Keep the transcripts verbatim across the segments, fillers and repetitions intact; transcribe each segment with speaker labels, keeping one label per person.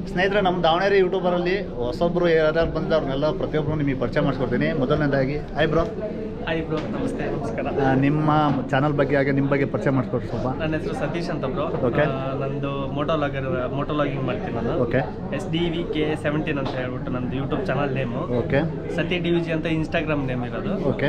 Speaker 1: ಸ್ನೇಹಿತರೆ, ನಮ್ಮ ದಾವಣಗೆರೆ ಯೂಟ್ಯೂಬರಲ್ಲಿ ಹೊಸೊಬ್ಬರು ಯಾರು ಬಂದು ಅವ್ರನ್ನೆಲ್ಲ ಪ್ರತಿಯೊಬ್ಬರು ನಿಮಗೆ ಪರಿಚಯ ಮಾಡಿಸ್ಕೊಡ್ತೀನಿ. ಮೊದಲನೇದಾಗಿ ಹಾಯ್ ಬ್ರೋ.
Speaker 2: ಹಾಯ್ ಬ್ರೋ, ನಮಸ್ತೆ. ನಮಸ್ಕಾರ.
Speaker 1: ನಿಮ್ಮ ಚಾನಲ್ ಬಗ್ಗೆ ಹಾಗೆ ನಿಮ್ಮ ಬಗ್ಗೆ ಪರಿಚಯ ಮಾಡಿಸ್ಕೊಡ್ರಿ ಸ್ವಲ್ಪ.
Speaker 2: ನನ್ನ ಹೆಸರು ಸತೀಶ್ ಅಂತ ಬ್ರೋ.
Speaker 1: ಓಕೆ.
Speaker 2: ನಂದು ಮೋಟೋಲಾಗರ್ ಮೋಟೋಲಾಗಿಂಗ್ ಮಾಡ್ತೀನಿ ನಾನು.
Speaker 1: Okay.
Speaker 2: S D V K seventeen ಅಂತ ಹೇಳ್ಬಿಟ್ಟು ನಂದು ಯೂಟ್ಯೂಬ್ ಚಾನಲ್ ನೇಮು.
Speaker 1: ಓಕೆ.
Speaker 2: ಸತಿ ಡಿ ವಿ ಜಿ ಅಂತ ಇನ್ಸ್ಟಾಗ್ರಾಮ್ ನೇಮ್ ಇರೋದು.
Speaker 1: ಓಕೆ.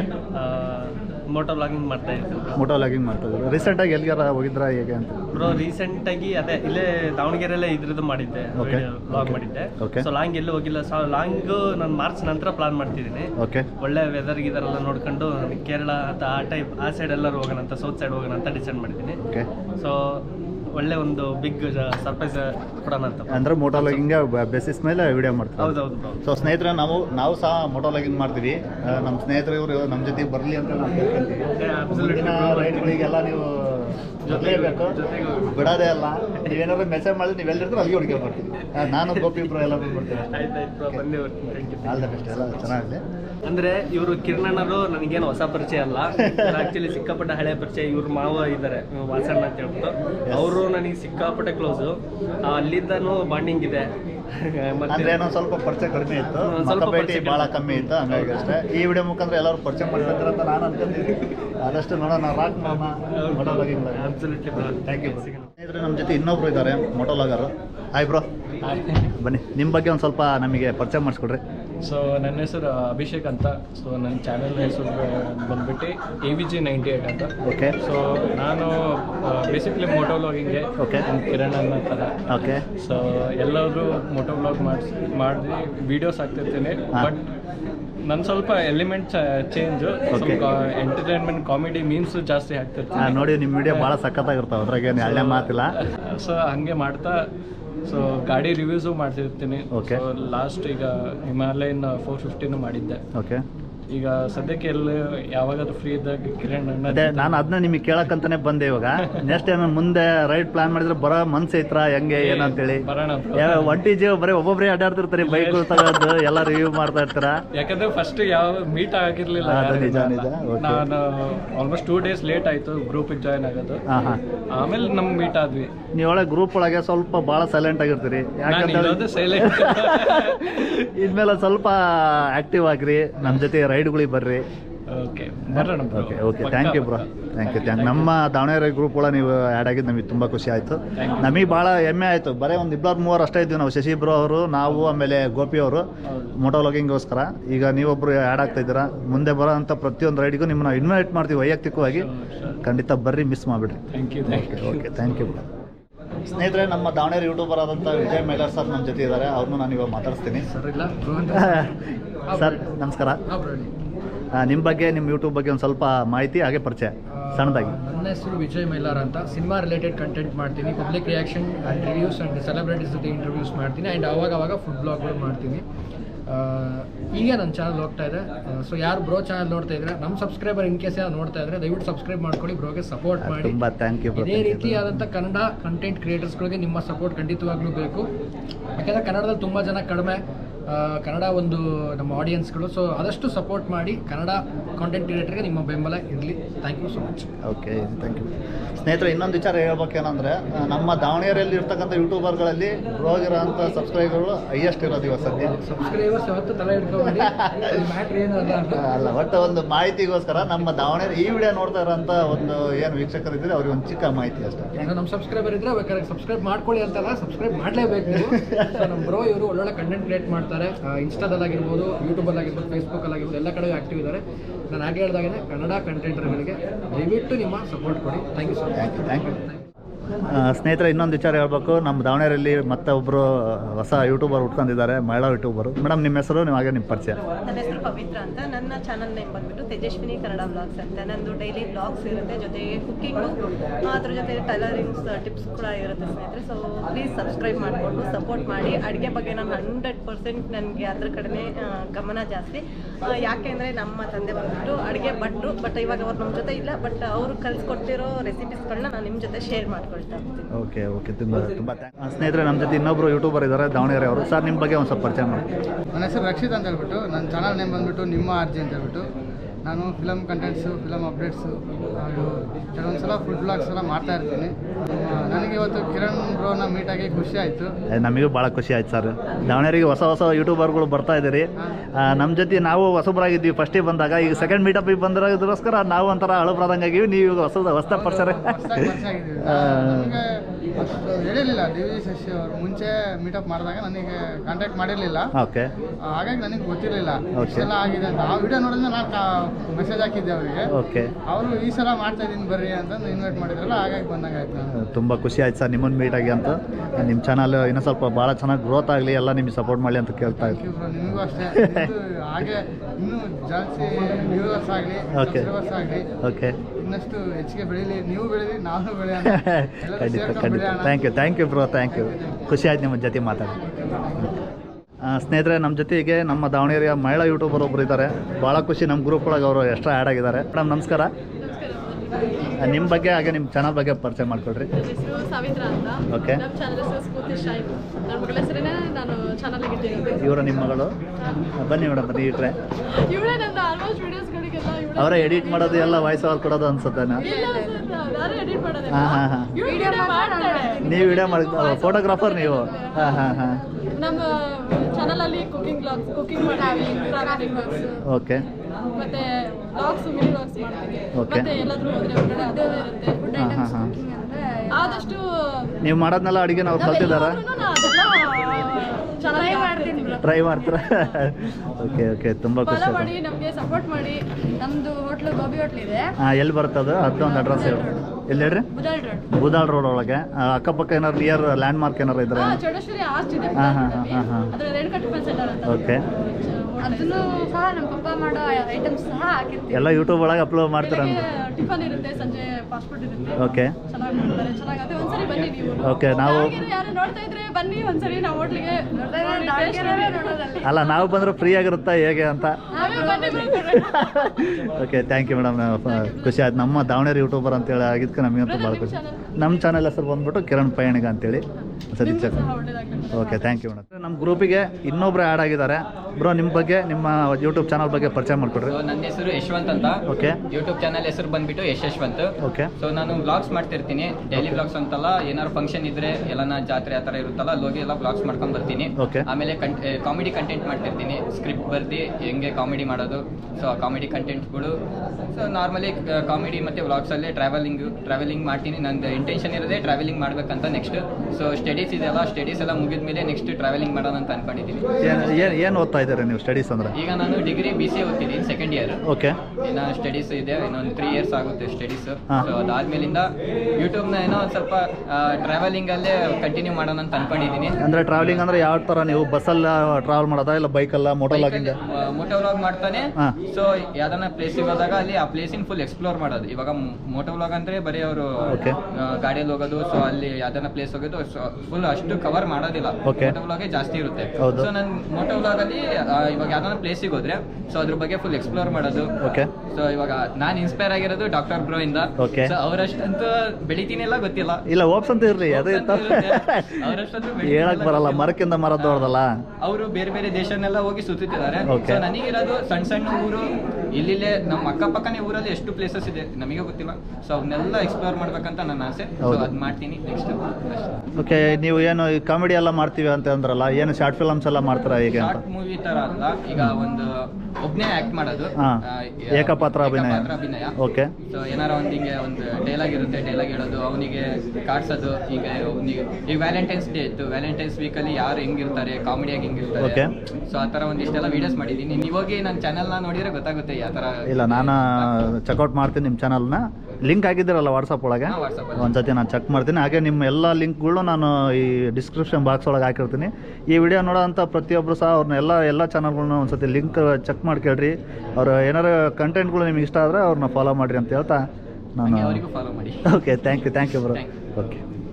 Speaker 2: ಮೋಟೋಲಾಗಿಂಗ್ ಮಾಡ್ತಾ ಇರ್ತೀನಿ.
Speaker 1: ಮೋಟೋಲಾಗಿಂಗ್ ಮಾಡ್ತಾ ಇದ್ರು. ರೀಸೆಂಟಾಗಿ ಎಲ್ಲಿಗಾರ ಹೋಗಿದ್ರಾ ಹೇಗೆ ಅಂತ?
Speaker 2: ಬ್ರೋ ರೀಸೆಂಟಾಗಿ ಅದೇ ಇಲ್ಲೇ ದಾವಣಗೆರೆಯಲ್ಲೇ ಇದ್ರದ್ದು ಮಾಡಿದ್ದೆ,
Speaker 1: ಓಕೆ.
Speaker 2: ವ್ಲಾಗ್ ಮಾಡಿದ್ದೆ.
Speaker 1: ಓಕೆ.
Speaker 2: ಸೊ ಲಾಂಗ್ ಎಲ್ಲೂ ಹೋಗಿಲ್ಲ. ಸೊ ಲಾಂಗ್ ನಾನು ಮಾರ್ಚ್ ನಂತರ ಪ್ಲಾನ್ ಮಾಡ್ತಿದ್ದೀನಿ.
Speaker 1: ಓಕೆ.
Speaker 2: ಒಳ್ಳೆ ವೆದರ್ ಗಿದರೆಲ್ಲ ನೋಡ್ಕೊಂಡು ಕೇರಳ ಅಂತ ಆ ಟೈಪ್ ಆ ಸೈಡ್ ಎಲ್ಲರೂ ಹೋಗೋಣ ಅಂತ, ಸೌತ್ ಸೈಡ್ ಹೋಗೋಣ ಅಂತ ಡಿಸೈಡ್ ಮಾಡಿದ್ದೀನಿ.
Speaker 1: ಓಕೆ.
Speaker 2: ಸೊ ಒಳ್ಳೆ ಒಂದು ಬಿಗ್ ಸರ್ಪ್ರೈಸ್ ಕೊಡೋಣ ಅಂತ.
Speaker 1: ಅಂದರೆ ಮೋಟೋಲಾಗಿಂಗ್ ಬೇಸಿಸ್ ಮೇಲೆ ವಿಡಿಯೋ ಮಾಡ್ತೀವಿ.
Speaker 2: ಹೌದೌದು ಬ್ರೋ.
Speaker 1: ಸೊ ಸ್ನೇಹಿತರೆ, ನಾವು ನಾವು ಸಹ ಮೋಟೋಲಾಗಿಂಗ್ ಮಾಡ್ತೀವಿ. ನಮ್ಮ ಸ್ನೇಹಿತರು ಇವರು ನಮ್ಮ ಜೊತೆ ಬರಲಿ ಅಂತ ನಾವು ಕೇಳ್ಕೊಂತೀವಿ. ರೈಡ್ಗಳಿಗೆಲ್ಲ ನೀವು ಜೊತೆಬೇಕು, ಬಿಡೋದೇ ಅಲ್ಲ. ನೀವೇನಾದ್ರು ಮೆಸೇಜ್ ಮಾಡಿದ್ರೆ ನೀವು ಎಲ್ಲಿರ್ತೀರೋ ಅಲ್ಲಿಗೆ ಹುಡುಗಿ ಬರ್ತೀವಿ. ನಾನು ಗೋಪಿ ಇಬ್ಬರು ಎಲ್ಲ ಬಂದ್ಬಿಡ್ತೀವಿ.
Speaker 2: ಆಯ್ತಾಯ್ತು, ಬಂದೇ ಬರ್ತೀನಿ.
Speaker 1: All the best. ಎಲ್ಲ ಚೆನ್ನಾಗಿದೆ.
Speaker 2: ಅಂದ್ರೆ ಇವರು ಕಿರಣಣ್ಣರು ನನಗೇನು ಹೊಸ ಪರಿಚಯ ಅಲ್ಲ, ಆಕ್ಚುಲಿ ಸಿಕ್ಕಾಪಟ್ಟೆ ಹಳೆ ಪರಿಚಯ. ಇವ್ರ ಮಾವ ಇದ್ದಾರೆ ವಾಸಣ್ಣ ಅಂತ ಹೇಳ್ಬಿಟ್ಟು, ಅವರು ನನಗೆ ಸಿಕ್ಕಾಪಟ್ಟೆ ಕ್ಲೋಸು. ಅಲ್ಲಿಂದನೂ ಬಾಂಡಿಂಗ್ ಇದೆ.
Speaker 1: ಅಂದ್ರೆ ಏನೋ ಸ್ವಲ್ಪ ಪರಿಚಯ ಕಡಿಮೆ ಇತ್ತು,
Speaker 2: ಸ್ವಲ್ಪ
Speaker 1: ಭೇಟಿ ಭಾಳ ಕಮ್ಮಿ ಇತ್ತು, ಹಂಗಾಗಿ ಅಷ್ಟೇ. ಈ ವಿಡಿಯೋ ಮುಖಾಂತರ ಎಲ್ಲರೂ ಪರಿಚಯ ಮಾಡ್ತಾರೆ ಅಂತ ನಾನು ಅನ್ಕೊಂಡಿದ್ದೀನಿ. ಆದಷ್ಟು ನೋಡೋಣ, ರಾಕ್ ಮಾಡೋಣ ಮೋಟೋಲಾಗಿಂಗ್. Thank you. ಸ್ನೇಹಿತರೆ, ನಮ್ಮ ಜೊತೆ ಇನ್ನೊಬ್ರು ಇದ್ದಾರೆ ಮೋಟೋಲಾಗರು. Hi bro. ಬನ್ನಿ, ನಿಮ್ಮ ಬಗ್ಗೆ ಒಂದು ಸ್ವಲ್ಪ ನಮಗೆ ಪರಿಚಯ ಮಾಡಿಸ್ಕೊಡ್ರಿ.
Speaker 3: ಸೊ ನನ್ನ ಹೆಸರು ಅಭಿಷೇಕ್ ಅಂತ. ಸೊ ನನ್ನ ಚಾನಲ್ ಹೆಸರು ಬಂದ್ಬಿಟ್ಟು A V G ninety eight ಅಂತ.
Speaker 1: ಓಕೆ.
Speaker 3: ಸೊ ನಾನು ಬೇಸಿಕ್ಲಿ ಮೋಟೋ ವ್ಲಾಗಿಂಗ್ಗೆ.
Speaker 2: ಓಕೆ.
Speaker 3: ಕಿರಣ್ ಅನ್ನೋ ಥರ.
Speaker 1: ಓಕೆ.
Speaker 3: ಸೊ ಎಲ್ಲರೂ ಮೋಟೋ ವ್ಲಾಗ್ ಮಾಡಿಸಿ ಮಾಡಿ ವೀಡಿಯೋಸ್ ಹಾಕ್ತಿರ್ತೀನಿ. ಬಟ್ ನನ್ನ ಸ್ವಲ್ಪ ಎಲಿಮೆಂಟ್ ಚೇಂಜು, ಸ್ವಲ್ಪ ಎಂಟರ್ಟೈನ್ಮೆಂಟ್ ಕಾಮಿಡಿ ಮೀಮ್ಸು ಜಾಸ್ತಿ ಹಾಕ್ತಿರ್ತೀನಿ.
Speaker 1: ನೋಡಿ, ನಿಮ್ಮ ವಿಡಿಯೋ ಭಾಳ ಸಖತ್ತಾಗಿರ್ತಾವೆ, ಅದ್ರಾಗೆ ಹಳ್ಳೆ ಮಾತಿಲ್ಲ.
Speaker 3: ಸೊ ಹಾಗೆ ಮಾಡ್ತಾ ಸೊ ಗಾಡಿ ರಿವ್ಯೂಸು ಮಾಡ್ತಿರ್ತೀನಿ.
Speaker 1: ಓಕೆ.
Speaker 3: ಲಾಸ್ಟ್ ಈಗ ಹಿಮಾಲಯನ್ ಫೋರ್ ಫಿಫ್ಟಿನೂ ಮಾಡಿದ್ದೆ.
Speaker 1: ಓಕೆ.
Speaker 3: ಈಗ ಸದ್ಯಕ್ಕೆ ಎಲ್ಲಿ ಯಾವಾಗಾದ್ರೂ ಫ್ರೀ ಇದ್ದಾಗ ಕಿರಣ್ ಅಣ್ಣ.
Speaker 1: ಅದೇ ನಾನು ಅದನ್ನ ನಿಮಗೆ ಕೇಳಕ್ಕಂತಾನೆ ಬಂದೆ. ಇವಾಗ ನೆಕ್ಸ್ಟ್ ಏನೋ ಮುಂದೆ ರೈಡ್ ಪ್ಲಾನ್ ಮಾಡಿದ್ರೆ ಬರೋ ಮನ್ಸು ಐತ್ರ ಹೆಂಗೆ ಏನಂತೇಳಿ
Speaker 3: ಬರೋಣ.
Speaker 1: ಒಂಟಿ ಜೀವ ಬರೀ ಒಬ್ಬೊಬ್ಬರೇ ಅಡ್ಡಾಡ್ತಿರ್ತಾರೆ, ಬೈಕ್ ತಗೋದು ಎಲ್ಲ ರಿವ್ಯೂ ಮಾಡ್ತಾ ಇರ್ತಾರ.
Speaker 3: ಯಾಕಂದ್ರೆ ಫಸ್ಟ್ ಯಾವ ಮೀಟ್ ಆಗಿರ್ಲಿಲ್ಲ.
Speaker 1: ನಿಜ ನಿಜ.
Speaker 3: ನಾನು ಆಲ್ಮೋಸ್ಟ್ ಟೂ ಡೇಸ್ ಲೇಟ್ ಆಯ್ತು ಗ್ರೂಪಿಗೆ ಜಾಯ್ನ್ ಆಗೋದು.
Speaker 1: ಹಾಂ ಹಾಂ.
Speaker 3: ಆಮೇಲೆ ನಮ್ ಮೀಟ್ ಆದ್ವಿ.
Speaker 1: ನೀವೊಳಗೆ ಗ್ರೂಪ್ ಒಳಗೆ ಸ್ವಲ್ಪ ಭಾಳ ಸೈಲೆಂಟ್ ಆಗಿರ್ತೀರಿ, ಯಾಕಂದ್ರೆ
Speaker 3: ಸೈಲೆಂಟ್.
Speaker 1: ಇನ್ಮೇಲೆ ಸ್ವಲ್ಪ ಆಕ್ಟಿವ್ ಆಗ್ರಿ, ನಮ್ಮ ಜೊತೆ ರೈಡ್ಗಳಿಗೆ ಬರ್ರಿ.
Speaker 3: ಓಕೆ, ಬರೋಣ.
Speaker 1: Okay okay thank you bro. Thank you thank ನಮ್ಮ ದಾವಣಗೆರೆ ಗ್ರೂಪ್ ಒಳಗೆ ನೀವು ಆ್ಯಡ್ ಆಗಿದ್ದು ನಮಗೆ ತುಂಬ ಖುಷಿ ಆಯಿತು. ನಮಗೆ ಭಾಳ ಹೆಮ್ಮೆ ಆಯಿತು. ಬರೀ ಒಂದು ಇಬ್ಬರು ಮೂವರು ಅಷ್ಟೇ ಇದ್ವಿ ನಾವು, ಶಶಿ ಬ್ರೋ ಅವರು, ನಾವು, ಆಮೇಲೆ ಗೋಪಿ ಅವರು ಮೋಟೋಲಾಗಿಂಗೋಸ್ಕರ. ಈಗ ನೀವೊಬ್ಬರು ಆ್ಯಡ್ ಆಗ್ತಾ ಇದ್ದೀರಾ. ಮುಂದೆ ಬರೋ ಅಂಥ ಪ್ರತಿಯೊಂದು ರೈಡಿಗೂ ನಿಮ್ಮನ್ನ ಇನ್ವೈಟ್ ಮಾಡ್ತೀವಿ ವೈಯಕ್ತಿಕವಾಗಿ. ಖಂಡಿತ ಬರ್ರಿ, ಮಿಸ್ ಮಾಡಿಬಿಡ್ರಿ.
Speaker 3: Thank you.
Speaker 1: Okay okay thank you bro. ಸ್ನೇಹಿತರೆ, ನಮ್ಮ ದಾವಣಗೆರೆ ಯೂಟ್ಯೂಬರ್ ಆದಂಥ ವಿಜಯ್ ಮೈಲಾರ್ ಸರ್ ನಮ್ಮ ಜೊತೆ ಇದ್ದಾರೆ. ಅವ್ರನ್ನೂ ನಾನು ಇವಾಗ ಮಾತಾಡಿಸ್ತೀನಿ. ಸರ್ ನಮಸ್ಕಾರ. ನಿಮ್ಮ ಬಗ್ಗೆ, ನಿಮ್ಮ ಯೂಟ್ಯೂಬ್ ಬಗ್ಗೆ ಒಂದು ಸ್ವಲ್ಪ ಮಾಹಿತಿ ಹಾಗೆ ಪರಿಚಯ ಸಣ್ಣದಾಗಿ.
Speaker 4: ನನ್ನ ಹೆಸರು ವಿಜಯ್ ಮೈಲಾರ್ ಅಂತ. ಸಿನಿಮಾ ರಿಲೇಟೆಡ್ ಕಂಟೆಂಟ್ ಮಾಡ್ತೀನಿ, public reaction and reviews and celebrities ಜೊತೆ ಇಂಟರ್ವ್ಯೂಸ್ ಮಾಡ್ತೀನಿ. ಆ್ಯಂಡ್ ಅವಾಗ ಅವಾಗ ಫುಡ್ ಬ್ಲಾಗ್ಗಳು ಮಾಡ್ತೀನಿ. ಈಗ ನನ್ನ ಚಾನಲ್ ಹೋಗ್ತಾ ಇದೆ. ಸೊ ಯಾರು ಬ್ರೋ ಚಾನಲ್ ನೋಡ್ತಾ ಇದ್ರೆ, ನಮ್ಮ ಸಬ್ಸ್ಕ್ರೈಬರ್ ಇನ್ ಕೇಸ್ ಯಾರು ನೋಡ್ತಾ ಇದ್ರೆ ದಯವಿಟ್ಟು ಸಬ್ಸ್ಕ್ರೈಬ್ ಮಾಡ್ಕೊಳ್ಳಿ, ಬ್ರೋಗೆ ಸಪೋರ್ಟ್ ಮಾಡಿ.
Speaker 1: ತುಂಬ ಥ್ಯಾಂಕ್ ಯು.
Speaker 4: ಇದೇ ರೀತಿಯಾದಂಥ ಕನ್ನಡ ಕಂಟೆಂಟ್ ಕ್ರಿಯೇಟರ್ಸ್ಗಳಿಗೆ ನಿಮ್ಮ ಸಪೋರ್ಟ್ ಖಂಡಿತವಾಗ್ಲೂ ಬೇಕು. ಯಾಕೆಂದರೆ ಕನ್ನಡದಲ್ಲಿ ತುಂಬ ಜನ ಕಡಿಮೆ, ಕನ್ನಡ ಒಂದು ನಮ್ಮ ಆಡಿಯನ್ಸ್ಗಳು. ಸೊ ಆದಷ್ಟು ಸಪೋರ್ಟ್ ಮಾಡಿ, ಕನ್ನಡ ಕಾಂಟೆಂಟ್ ಕ್ರಿಯೇಟರ್ಗೆ ನಿಮ್ಮ ಬೆಂಬಲ ಇರಲಿ. Thank you so much.
Speaker 1: Okay thank you. ಸ್ನೇಹಿತರೆ, ಇನ್ನೊಂದು ವಿಚಾರ ಹೇಳ್ಬೇಕೇನಂದರೆ, ನಮ್ಮ ದಾವಣಗೆರೆಯಲ್ಲಿ ಇರ್ತಕ್ಕಂಥ ಯೂಟ್ಯೂಬರ್ಗಳಲ್ಲಿ ಹೋಗಿರೋಂಥ ಸಬ್ಸ್ಕ್ರೈಬರ್ಗಳು ಹೈಯೆಸ್ಟ್ ಇರೋದು ಇವಾಗ ಸದ್ಯ.
Speaker 4: ಸಬ್ಸ್ಕ್ರೈಬರ್ಸ್ ಯಾವತ್ತೂ ತಲೆ ಹಿಡ್ಕೊಬೇಡಿ, ಮ್ಯಾಟ್ರ್ ಏನು ಅಲ್ಲ
Speaker 1: ಅಲ್ಲ ಒಟ್ಟು ಒಂದು ಮಾಹಿತಿಗೋಸ್ಕರ ನಮ್ಮ ದಾವಣಗೆರೆ ಈ ವಿಡಿಯೋ ನೋಡ್ತಾ ಇರೋಂಥ ಒಂದು ಏನು ವೀಕ್ಷಕರಿದ್ದರೆ ಅವ್ರಿಗೆ ಒಂದು ಚಿಕ್ಕ ಮಾಹಿತಿ ಅಷ್ಟೇ.
Speaker 4: ನಮ್ಮ ಸಬ್ಸ್ಕ್ರೈಬರ್ ಇದ್ರೆ ಬೇಕಾದ್ರೆ ಸಬ್ಸ್ಕ್ರೈಬ್ ಮಾಡ್ಕೊಳ್ಳಿ ಅಂತಲ್ಲ, ಸಬ್ಸ್ಕ್ರೈಬ್ ಮಾಡಲೇಬೇಕು ನೀವು. ನಮ್ಮ ಬ್ರೋ ಇವರು ಒಳ್ಳೊಳ್ಳೆ ಕಂಟೆಂಟ್ ಕ್ರಿಯೇಟ್ ಮಾಡ್ತಾರೆ. ಇನ್ಸ್ಟಾದಲ್ಲಾಗಿರ್ಬೋದು, ಯೂಟ್ಯೂಬಲ್ಲಾಗಿರ್ಬೋದು, ಫೇಸ್ಬುಕ್ಕಲ್ಲಾಗಿರ್ಬೋದು, ಎಲ್ಲ ಕಡೆ ಆ್ಯಕ್ಟಿವ್ ಇದ್ದಾರೆ. ನಾನು ಹಾಗೆ ಹೇಳಿದಾಗೆ ಕನ್ನಡ ಕಂಟೆಂಟರ್ಗಳಿಗೆ ದಯವಿಟ್ಟು ನಿಮ್ಮ ಸಪೋರ್ಟ್ ಕೊಡಿ. Thank you so much.
Speaker 1: Thank you thank you. ಸ್ನೇಹಿತರೆ, ಇನ್ನೊಂದು ವಿಚಾರ ಹೇಳ್ಬೇಕು. ನಮ್ಮ ದಾವಣಗೆರೆಯಲ್ಲಿ ಮತ್ತೆ ಒಬ್ಬರು ಹೊಸ ಯೂಟ್ಯೂಬರ್ ಉಟ್ಕೊಂಡಿದ್ದಾರೆ, ಮಹಿಳಾ ಯೂಟ್ಯೂಬರು. ಮೇಡಮ್, ನಿಮ್ಮ ಹೆಸರು, ನೀವು ಹಾಗೆ ನಿಮ್ಮ ಪರಿಚಯ.
Speaker 5: ನನ್ನ ಹೆಸರು ಪವಿತ್ರ ಅಂತ. ನನ್ನ ಚಾನಲ್ ನೇಮ್ ಬಂದ್ಬಿಟ್ಟು ತೇಜಸ್ವಿನಿ ಕನ್ನಡ ವ್ಲಾಗ್ಸ್ ಅಂತ. ನಂದು ಡೈಲಿ ವ್ಲಾಗ್ಸ್ ಇರುತ್ತೆ, ಜೊತೆಗೆ ಕುಕ್ಕಿಂಗು, ಅದ್ರ ಜೊತೆ ಟೈಲರಿಂಗ್ಸ್ ಟಿಪ್ಸ್ ಕೂಡ ಇರುತ್ತೆ ಸ್ನೇಹಿತರೆ. ಸೊ ಪ್ಲೀಸ್ ಸಬ್ಸ್ಕ್ರೈಬ್ ಮಾಡಿಕೊಂಡು ಸಪೋರ್ಟ್ ಮಾಡಿ. ಅಡುಗೆ ಬಗ್ಗೆ ನಾನು ಹಂಡ್ರೆಡ್ ಪರ್ಸೆಂಟ್ ನನಗೆ ಅದ್ರ ಕಡೆನೇ ಗಮನ ಜಾಸ್ತಿ. ಯಾಕೆ ಅಂದರೆ ನಮ್ಮ ತಂದೆ ಬಂದ್ಬಿಟ್ಟು ಅಡುಗೆ ಭಟ್ರು, ಬಟ್ ಇವಾಗ ಅವ್ರು ನಮ್ಮ ಜೊತೆ ಇಲ್ಲ. ಬಟ್ ಅವರು ಕಲಿಸ್ಕೊಟ್ಟಿರೋ ರೆಸಿಪೀಸ್ಗಳನ್ನ ನಾನು ನಿಮ್ಮ ಜೊತೆ ಶೇರ್ ಮಾಡ್ಕೊಳ್ತಾ ಇರ್ತೀನಿ.
Speaker 1: ಓಕೆ ಓಕೆ ತುಂಬ ತುಂಬ ಥ್ಯಾಂಕ್. ಸ್ನೇಹಿತರೆ, ನಮ್ಮ ಜೊತೆ ಇನ್ನೊಬ್ಬರು ಯೂಟ್ಯೂಬರ್ ಇದ್ದಾರೆ ದಾವಣಗೆರೆ ಅವರು. ಸರ್, ನಿಮ್ಮ ಬಗ್ಗೆ ಒಂದು ಸ್ವಲ್ಪ ಪರಿಚಯ ಮಾಡಿ.
Speaker 6: ನನ್ನ ಹೆಸರು ರಕ್ಷಿತ್ ಅಂತ ಹೇಳ್ಬಿಟ್ಟು, ನನ್ನ ಚಾನಲ್ ನೇಮ್ ಬಂದ್ಬಿಟ್ಟು ನಿಮ್ಮ ಅರ್ಜಿ ಅಂತ ಹೇಳ್ಬಿಟ್ಟು. ನಾನು ಫಿಲಮ್ ಕಂಟೆಂಟ್ಸು ಫಿಲಮ್ ಅಪ್ಡೇಟ್ಸು ಹಾಗೂ ಕೆಲವೊಂದು ಸಲ ಫುಡ್ ಬ್ಲಾಗ್ಸ್ ಎಲ್ಲ ಮಾಡ್ತಾ ಇರ್ತೀನಿ. ಆ, ನನಗೆ ಇವತ್ತು ಕಿರಣ್ ಬ್ರೋನ ಮೀಟಾಗಿ ಖುಷಿ ಆಯಿತು.
Speaker 1: ನಮಗೂ ಭಾಳ ಖುಷಿ ಆಯ್ತು ಸರ್. ದಾವಣಗೆರೆಗೆ ಹೊಸ ಹೊಸ ಯೂಟ್ಯೂಬರ್ಗಳು ಬರ್ತಾ ಇದ್ದೀರಿ. ನಮ್ಮ ಜೊತೆ ನಾವು ಹೊಸಬರಾಗಿದ್ವಿ ಫಸ್ಟಿಗೆ ಬಂದಾಗ, ಈಗ ಸೆಕೆಂಡ್ ಮೀಟಪ್ಪಿಗೆ ಬಂದಿರೋದಕ್ಕೋಸ್ಕರ ನಾವು ಒಂಥರ ಹಳಬ್ರಾದಂಗಾಗಿವಿ. ನೀವು ಈಗ ಹೊಸದ ಹೊಸ ಪರಿಸರ
Speaker 6: ಹೊಸ್ದಾಗಿ ಪರಿಚಯ ಆಗಿದ್ದೀವಿ. ನನಗೆ ಅಷ್ಟು ಹೇಳಿರಲಿಲ್ಲ ಡಿ ವಿ ಶಶಿ ಅವರು ಮುಂಚೆ ಮೀಟಪ್ ಮಾಡಿದಾಗ ನನಗೆ ಕಾಂಟ್ಯಾಕ್ಟ್ ಮಾಡಿರಲಿಲ್ಲ.
Speaker 1: ಓಕೆ,
Speaker 6: ಹಾಗಾಗಿ ನನಗೆ ಗೊತ್ತಿರಲಿಲ್ಲ
Speaker 1: Okay.
Speaker 6: ಇಷ್ಟೆಲ್ಲ ಆಗಿದೆ ಅಂತ. ಆ ವಿಡಿಯೋ ನೋಡಿದ್ರೆ ನಾನು ಮೆಸೇಜ್ ಹಾಕಿದ್ದೆ ಅವರಿಗೆ.
Speaker 1: ಓಕೆ,
Speaker 6: ಅವರು ಈ ಸಲ ಮಾಡ್ತಾ ಇದ್ದೀನಿ ಬರ್ರಿ ಅಂತಂದು ಇನ್ವೈಟ್ ಮಾಡಿದ್ರಲ್ಲ, ಹಾಗಾಗಿ ಬಂದಂಗೆ ಆಯ್ತು ನಾನು.
Speaker 1: ತುಂಬ ಖುಷಿ ಆಯ್ತು ಸರ್ ನಿಮ್ಮನ್ನು ಮೀಟ್ ಆಗಿ ಅಂತ. ನಿಮ್ಮ ಚಾನಲ್ ಇನ್ನೂ ಸ್ವಲ್ಪ ಭಾಳ ಚೆನ್ನಾಗಿ ಗ್ರೋತ್ ಆಗಲಿ, ಎಲ್ಲ ನಿಮಗೆ ಸಪೋರ್ಟ್ ಮಾಡಲಿ ಅಂತ ಕೇಳ್ತಾ ಇದ್ದೀನಿ.
Speaker 6: Thank you bro. ನಿಮಗೂ ಅಷ್ಟೇ. ನಿಮ್ದು ಹಾಗೆ ಇನ್ನೂ ಜಾಸ್ತಿ ವ್ಯೂವರ್ಸ್ ಆಗಲಿ,
Speaker 1: Okay.
Speaker 6: ಸಬ್ಸ್ಕ್ರೈಬರ್ಸ್ ಆಗಲಿ,
Speaker 1: ಓಕೆ,
Speaker 6: ಇನ್ನಷ್ಟು ಹೆಚ್ಚಿಗೆ ಬೆಳೀಲಿ. ನೀವು ಬೆಳೀಲಿ, ನಾವು ಬೆಳೆಯೋಣ, ಎಲ್ಲರೂ
Speaker 1: ಖಂಡಿತ
Speaker 6: ಸೇರ್ಕೊಂಡು
Speaker 1: ಖಂಡಿತ.
Speaker 6: ಬೆಳೆಯೋಣ.
Speaker 1: Thank you thank you bro, thank you. ಖುಷಿ ಆಯ್ತು ನಿಮ್ಮ ಜೊತೆ ಮಾತಾಡಿ. ಆ, ಸ್ನೇಹಿತರೆ, ನಮ್ಮ ಜೊತೆಗೆ ನಮ್ಮ ದಾವಣಗೆರೆಯ ಮಹಿಳಾ ಯೂಟ್ಯೂಬರ್ ಒಬ್ಬರು ಇದ್ದಾರೆ. ಭಾಳ ಖುಷಿ, ನಮ್ಮ ಗ್ರೂಪ್ ಒಳಗೆ ಅವರು ಎಕ್ಸ್ಟ್ರಾ ಆ್ಯಡ್ ಆಗಿದ್ದಾರೆ. ಮೇಡಮ್ ನಮಸ್ಕಾರ. ನಿಮ್ಮ ಬಗ್ಗೆ ಹಾಗೆ ನಿಮ್ಮ ಚಾನಲ್ ಬಗ್ಗೆ ಪರಿಚಯ ಮಾಡಿಕೊಡ್ರಿ.
Speaker 7: ನನ್ನ ಹೆಸರು ಸಾವಿತ್ರ ಅಂತ.
Speaker 1: ಓಕೆ.
Speaker 7: ನಮ್ಮ ಚಾನಲ್ ಹೆಸರು ಸ್ಫೂರ್ತಿ ಶಾಹಿದ್. ನನ್ನ ಮಗಳ ಹೆಸರೇನೆ ನಾನು ಚಾನಲ್ ಇಟ್ಟಿರೋದು.
Speaker 1: ಇವರು ನಿಮ್ಮ ಮಗಳು? ಬನ್ನಿ ಮೇಡಮ್, ಬನ್ನಿ ಇಟ್ರೆ.
Speaker 7: ಇವಳೇ ನನ್ನ ಆಲ್ಮೋಸ್ಟ್ ವಿಡಿಯೋಸ್ಗಳಿಗೆಲ್ಲ ಇವಳೇ
Speaker 1: ಅವರೇ ಎಡಿಟ್ ಮಾಡೋದು ಎಲ್ಲ ವಾಯ್ಸ್ ಓವರ್ ಕೊಡೋದು ಅನ್ಸುತ್ತೇನೆ.
Speaker 7: ಇಲ್ಲ ಯಾರು ಎಡಿಟ್ ಮಾಡೋದಿಲ್ಲ.
Speaker 1: ಹಾಂ ಹಾಂ ಹಾಂ
Speaker 7: ಇವಳು ವಿಡಿಯೋ ಮಾಡ್ತಾಳೆ.
Speaker 1: ನೀವು ವಿಡಿಯೋ ಮಾಡಿ ಫೋಟೋಗ್ರಾಫರ್ ನೀವು? ಹಾಂ ಹಾಂ ಹಾಂ
Speaker 7: ನಮ್ಮ ಚಾನಲಲ್ಲಿ ಕುಕಿಂಗ್ ಬ್ಲಾಗ್ಸ್, ಕುಕಿಂಗ್ ಮಾಡ್ತೀವಿ, ಟ್ರಾವೆಲಿಂಗ್ ಬ್ಲಾಗ್ಸ್,
Speaker 1: ಓಕೆ
Speaker 7: ಮತ್ತೆ ಬ್ಲಾಗ್ಸ್, ಮಿನಿ ಬ್ಲಾಗ್ಸ್ ಮಾಡ್ತೀವಿ.
Speaker 1: Okay.
Speaker 7: ಮತ್ತೆ ಎಲ್ಲಾದ್ರೂ ಹೋದ್ರೆ ಹೊರಗಡೆ ಅದು ಇರುತ್ತೆ. ಫುಡ್
Speaker 1: ಹಾಂ ಹಾಂ
Speaker 7: ಐಟಮ್ಸ್
Speaker 1: ಹಾಂ
Speaker 7: ಆದಷ್ಟು
Speaker 1: ನೀವು ಮಾಡೋದ್ನೆಲ್ಲ ಅಡುಗೆ ನಾವು ಕಲ್ತಿದ್ದಾರಾ?
Speaker 7: ಚೆನ್ನಾಗಿ ಮಾಡ್ತೀನಿ.
Speaker 1: ಟ್ರೈ ಮಾಡ್ತೀರಾ? ಓಕೆ ಓಕೆ, ತುಂಬ ಖುಷಿ
Speaker 7: ಫಾಲೋ
Speaker 1: ಆಯ್ತು.
Speaker 7: ಮಾಡಿ, ನಮಗೆ ಸಪೋರ್ಟ್ ಮಾಡಿ. ನಮ್ದು ಹೋಟ್ಲು ಗೋಬಿ ಹೋಟ್ಲ್ ಇದೆ,
Speaker 1: ಹಾಂ, ಎಲ್ಲಿ ಬರ್ತದೆ ಅದೊಂದು ಅಡ್ರೆಸ್ ಹೇಳಿ. ಎಲ್ಲಿ ಹೇಳ್ರಿ?
Speaker 7: ಬುದಾಳ್ ರೋಡ್.
Speaker 1: ಬೂದಾಳ್ ರೋಡ್ ಒಳಗೆ ಆ, ಅಕ್ಕಪಕ್ಕ ಏನಾರು ನಿಯರ್ ಲ್ಯಾಂಡ್ ಮಾರ್ಕ್ ಏನಾರು ಇದ್ರೆ?
Speaker 7: ಹಾ, ಚೌಡೇಶ್ವರಿ ಆಸ್ಟ್ ಇದೆ.
Speaker 1: ಹಾ, ಹಾ, ಹಾ, ಹಾ, ಹಾ.
Speaker 7: ಅದ್ರ ರೇಣುಕಾ ಟಿಫನ್ ಸೆಂಟರ್ ಅಂತ.
Speaker 1: ಓಕೆ.
Speaker 7: ಅದನ್ನು ಸಹ ನಮ್ಮ ಪಪ್ಪ ಮಾಡೋ ಐಟಮ್ಸ್ ಸಹ ಹಾಕಿರ್ತೀವಿ.
Speaker 1: ಎಲ್ಲ ಯೂಟ್ಯೂಬ್ ಒಳಗೆ ಅಪ್ಲೋಡ್ ಮಾಡ್ತೀರಾ?
Speaker 7: ಬೆಳಗ್ಗೆ ಟಿಫನ್ ಇರುತ್ತೆ, ಸಂಜೆ ಫಾಸ್ಟ್ ಫುಡ್ ಇರುತ್ತೆ.
Speaker 1: ಓಕೆ
Speaker 7: ಚೆನ್ನಾಗಿ ಮಾಡ್ತಾರೆ, ಚೆನ್ನಾಗತ್ತೆ. ಒಂದ್ಸರಿ ಬನ್ನಿ ನೀವು.
Speaker 1: ಓಕೆ, ನಾವು
Speaker 7: ದಾವಣಗೆರೆ ಯಾರು ನೋಡ್ತಾ ಇದ್ರೆ ಬನ್ನಿ ಒಂದ್ಸರಿ ನಾವು ಹೋಟ್ಲಿಗೆ.
Speaker 1: ಅಲ್ಲ, ನಾವು ಬಂದ್ರೆ ಫ್ರೀ ಆಗಿರುತ್ತಾ ಹೇಗೆ ಅಂತ?
Speaker 7: ನಾವೇ ಬನ್ನಿ
Speaker 1: ಓಕೆ, ಥ್ಯಾಂಕ್ ಯು ಮೇಡಮ್. ಖುಷಿ ಆಯ್ತು. ನಮ್ಮ ದಾವಣಗೆರೆ ಯೂಟ್ಯೂಬರ್ ಅಂತೇಳಿ ಆಗಿದ್ದಕ್ಕೆ ನಮಗಂತೂ ಭಾಳ ಖುಷಿ. ನಮ್ಮ ಚಾನಲ್ ಹೆಸರು ಬಂದ್ಬಿಟ್ಟು ಕಿರಣ್ ಪಯಣಿಗ ಅಂತೇಳಿ. ಸರಿ check. Okay, thank you madam. ನಮ್ಮ ಗ್ರೂಪಿಗೆ ಇನ್ನೊಬ್ರು ಆ್ಯಡ್ ಆಗಿದ್ದಾರೆ. ಬ್ರೋ, ನಿಮ್ಮ ಬಗ್ಗೆ, ನಿಮ್ಮ ಯೂಟ್ಯೂಬ್ ಚಾನಲ್ ಬಗ್ಗೆ ಪರಿಚಯ ಮಾಡಿಕೊಡ್ರಿ.
Speaker 8: ಸೊ ನನ್ನ ಹೆಸರು ಯಶವಂತ್ ಅಂತ.
Speaker 1: ಓಕೆ.
Speaker 8: ಯೂಟ್ಯೂಬ್ ಚಾನಲ್ ಹೆಸರು ಬಂದ್ಬಿಟ್ಟು ಯಶ್ ಯಶವಂತ್.
Speaker 1: ಓಕೆ.
Speaker 8: ಸೊ ನಾನು ವ್ಲಾಗ್ಸ್ ಮಾಡ್ತಿರ್ತೀನಿ, ಡೈಲಿ ವ್ಲಾಗ್ಸ್ ಅಂತಲ್ಲ, ಏನಾದ್ರು ಫಂಕ್ಷನ್ ಇದ್ರೆ ಎಲ್ಲನ ಜಾತ್ರೆ ಆ ಥರ ಇರುತ್ತಲ್ಲ, ಅಲ್ಲಿ ಹೋಗಿ ಎಲ್ಲ ವ್ಲಾಗ್ಸ್ ಮಾಡ್ಕೊಂಡು ಬರ್ತೀನಿ.
Speaker 1: ಓಕೆ.
Speaker 8: ಆಮೇಲೆ ಕಾಮಿಡಿ ಕಂಟೆಂಟ್ ಮಾಡ್ತಿರ್ತೀನಿ, ಸ್ಕ್ರಿಪ್ಟ್ ಬರ್ದು ಹೆಂಗೆ ಕಾಮಿಡಿ ಮಾಡೋದು. ಸೊ ಆ ಕಾಮಿಡಿ ಕಂಟೆಂಟ್ಗಳು, ಸೊ ನಾರ್ಮಲಿ ಕಾಮಿಡಿ ಮತ್ತು ವ್ಲಾಗ್ಸಲ್ಲಿ ಟ್ರಾವೆಲಿಂಗು ಟ್ರಾವೆಲಿಂಗ್ ಮಾಡ್ತೀನಿ. ನಂದು ಇಂಟೆನ್ಷನ್ ಇರೋದೇ ಟ್ರಾವೆಲಿಂಗ್ ಮಾಡಬೇಕಂತ. ನೆಕ್ಸ್ಟ್ ಸೊ ಸ್ಟಡೀಸ್ ಇದೆಯಲ್ಲ, ಸ್ಟಡೀಸ್ ಎಲ್ಲ ಮುಗಿದ ಮೇಲೆ ನೆಕ್ಸ್ಟ್ ಟ್ರಾವೆಲಿಂಗ್ ಮಾಡೋಣ ಅಂತ ಅನ್ಕೊಂಡಿದ್ದೀನಿ.
Speaker 1: ಏನು ಏನು ಓದ್ತಾ ಇದ್ದೀರಿ ನೀವು ಸ್ಟಡೀಸ್ ಅಂದ್ರೆ?
Speaker 8: ಈಗ ನಾನು ಡಿಗ್ರಿ ಬಿ ಸಿ ಓದ್ತಿದ್ದೀನಿ, ಸೆಕೆಂಡ್ ಇಯರ್.
Speaker 1: ಓಕೆ.
Speaker 8: ಇನ್ನು ಸ್ಟಡೀಸ್ ಇದೆ, ಇನ್ನೊಂದು ತ್ರೀ ಇಯರ್ಸ್ ಆಗುತ್ತೆ ಸ್ಟಡೀಸ್.
Speaker 1: ಹಾ.
Speaker 8: ಸೊ ಅದಾದ್ಮೇಲಿಂದ ಯೂಟ್ಯೂಬ್ನ ಏನೋ ಒಂದು ಸ್ವಲ್ಪ ಟ್ರಾವೆಲಿಂಗಲ್ಲೇ ಕಂಟಿನ್ಯೂ ಮಾಡೋಣ ಅಂತ ಅನ್ಕೊಂಡಿದ್ದೀನಿ.
Speaker 1: ಅಂದರೆ ಟ್ರಾವೆಲಿಂಗ್ ಅಂದರೆ ಯಾವ ಥರ ನೀವು ಬಸ್ಸಲ್ಲಿ ಟ್ರಾವೆಲ್ ಮಾಡೋದಾ ಇಲ್ಲ ಬೈಕಲ್ಲ, ಮೋಟೋ ಲಾಗಿಂದ?
Speaker 8: ಮೋಟೋ ವ್ಲಾಗ್ ಮಾಡ್ತಾನೆ.
Speaker 1: ಹಾ.
Speaker 8: ಸೊ ಯಾವ್ದಾನ ಪ್ಲೇಸಿಗೆ ಹೋದಾಗ ಅಲ್ಲಿ ಆ ಪ್ಲೇಸಿನ ಫುಲ್ ಎಕ್ಸ್ಪ್ಲೋರ್ ಮಾಡೋದು. ಇವಾಗ ಮೋಟೋ ವ್ಲಾಗ್ ಅಂದ್ರೆ ಬರೀ ಅವರು
Speaker 1: Okay.
Speaker 8: ಗಾಡಿಯಲ್ಲಿ ಹೋಗೋದು, ಸೊ ಅಲ್ಲಿ ಯಾವ್ದಾನ ಪ್ಲೇಸ್ ಹೋಗೋದು, ಫುಲ್ ಅಷ್ಟು ಕವರ್ ಮಾಡೋದಿಲ್ಲ.
Speaker 1: Okay.
Speaker 8: ಮೋಟೋ ವ್ಲಾಗೇ ಜಾಸ್ತಿ ಇರುತ್ತೆ.
Speaker 1: ಹೌದು.
Speaker 8: ಸೊ ನಾನು ಮೋಟೋ ವ್ಲಾಗ್ ಅಲ್ಲಿ ಆ, ಇವಾಗ ಯಾವ್ದಾನ ಪ್ಲೇಸಿಗೆ ಹೋದ್ರೆ ಸೊ ಅದ್ರ ಬಗ್ಗೆ ಫುಲ್ ಎಕ್ಸ್ಪ್ಲೋರ್ ಮಾಡೋದು.
Speaker 1: ಓಕೆ.
Speaker 8: ಸೊ ಇವಾಗ ನಾನು ಇನ್ಸ್ಪೈರ್ ಆಗಿರೋದು ಡಾಕ್ಟರ್ ಬ್ರೋ ಇಂದ.
Speaker 1: Okay.
Speaker 8: ಸೊ ಅವರಷ್ಟಂತೂ ಬೆಳಿತೀನಿಲ್ಲ ಗೊತ್ತಿಲ್ಲ.
Speaker 1: ಇಲ್ಲ, ಓಪ್ಸ್ ಅಂತ ಇರಲಿ, ಅದೇ
Speaker 8: ಅವರಷ್ಟಂತೂ
Speaker 1: ಹೇಳಕ್ ಬರಲ್ಲ, ಮರಕ್ಕಿಂದ ಮರ ದೊಡ್ಡದಲ್ಲ.
Speaker 8: ಅವರು ಬೇರೆ ಬೇರೆ ದೇಶನೆಲ್ಲ ಹೋಗಿ ಸುತ್ತಿದ್ದಾರೆ.
Speaker 1: Okay.
Speaker 8: ಸೊ ನನಗಿರೋದು ಸಣ್ಣ ಸಣ್ಣ ಊರು, ಇಲ್ಲಿಲ್ಲೇ ನಮ್ಮ ಅಕ್ಕಪಕ್ಕನೇ ಊರಲ್ಲಿ ಎಷ್ಟು ಪ್ಲೇಸಸ್ ಇದೆ ನಮಗೆ ಗೊತ್ತಿಲ್ಲ. ಸೊ ಅವನ್ನೆಲ್ಲ ಎಕ್ಸ್ಪ್ಲೋರ್ ಮಾಡ್ಬೇಕಂತ ನನ್ನ ಆಸೆ. ಸೊ
Speaker 1: ಹೌದು.
Speaker 8: ಅದು ಮಾಡ್ತೀನಿ ನೆಕ್ಸ್ಟ್.
Speaker 1: ಓಕೆ, ನೀವು ಏನು ಈ ಕಾಮಿಡಿ ಎಲ್ಲ ಮಾಡ್ತೀವಿ ಅಂತ ಅಂದ್ರಲ್ಲ, ಏನು ಶಾರ್ಟ್ ಫಿಲಮ್ಸ್ ಎಲ್ಲ ಮಾಡ್ತೀರಾ ಹೇಗೆ ಅಂತ?
Speaker 8: ಶಾರ್ಟ್ ಮೂವಿ ತರ ಅಲ್ಲ, ಈಗ ಒಂದು ಒಬ್ನೇ ಆಕ್ಟ್ ಮಾಡೋದು.
Speaker 1: ಹಾ.
Speaker 8: ಆ,
Speaker 1: ಏಕಪಾತ್ರ ಅಭಿನಯ.
Speaker 8: ಏಕಪಾತ್ರ ಅಭಿನಯ.
Speaker 1: ಓಕೆ.
Speaker 8: ಸೊ ಏನಾರ ಒಂದು ಹಿಂಗೆ ಒಂದು ಡೈಲಾಗ್ ಇರುತ್ತೆ, ಡೈಲಾಗ್ ಹೇಳೋದು, ಅವನಿಗೆ ಕಾಡ್ಸೋದು. ಈಗ ಅವನಿಗೆ ಈಗ ವ್ಯಾಲೆಂಟೈನ್ಸ್ ಡೇ ಇತ್ತು, ವ್ಯಾಲೆಂಟೈನ್ಸ್ ವೀಕಲ್ಲಿ ಯಾರು ಹೆಂಗಿರ್ತಾರೆ, ಕಾಮಿಡಿಯಾಗಿ ಹೆಂಗಿರ್ತಾರೆ.
Speaker 1: Okay.
Speaker 8: ಸೊ ಆ ಥರ ಒಂದಿಷ್ಟೆಲ್ಲ ವಿಡಿಯೋಸ್ ಮಾಡಿದ್ದೀನಿ. ನೀವು ಹೋಗಿ ನನ್ನ ಚಾನಲ್ನ ನೋಡಿದ್ರೆ ಗೊತ್ತಾಗುತ್ತೆ ಯಾವ ಥರ.
Speaker 1: ಇಲ್ಲ, ನಾನು ಚೆಕ್ಔಟ್ ಮಾಡ್ತೀನಿ ನಿಮ್ಮ ಚಾನಲ್ನ. ಲಿಂಕ್ ಆಗಿದ್ದೀರಲ್ಲ ವಾಟ್ಸಪ್ ಒಳಗೆ,
Speaker 8: ಹಾ, WhatsApp ಅಲ್ಲಿ.
Speaker 1: ಒಂದ್ಸತಿ ನಾನು ಚೆಕ್ ಮಾಡ್ತೀನಿ. ಹಾಗೆ ನಿಮ್ಮ ಎಲ್ಲ ಲಿಂಕ್ಗಳು ನಾನು ಈ ಡಿಸ್ಕ್ರಿಪ್ಷನ್ ಬಾಕ್ಸ್ ಒಳಗೆ ಹಾಕಿರ್ತೀನಿ. ಈ ವಿಡಿಯೋ ನೋಡೋಂಥ ಪ್ರತಿಯೊಬ್ಬರು ಸಹ ಅವ್ರನ್ನ ಎಲ್ಲ ಎಲ್ಲ ಚಾನಲ್ಗಳನ್ನ ಒಂದ್ಸತಿ ಲಿಂಕ್ ಚೆಕ್ ಮಾಡಿ ಕೇಳ್ರಿ. ಅವ್ರು ಏನಾರು ಕಂಟೆಂಟ್ಗಳು ನಿಮ್ಗೆ ಇಷ್ಟ ಆದರೆ ಅವ್ರನ್ನ ಫಾಲೋ ಮಾಡಿರಿ ಅಂತ ಹೇಳ್ತಾ ನಾನು
Speaker 8: ಅವರಿಗೂ ಫಾಲೋ ಮಾಡಿ.
Speaker 1: Okay, thank you thank you bro.
Speaker 8: Thank you.
Speaker 1: Okay.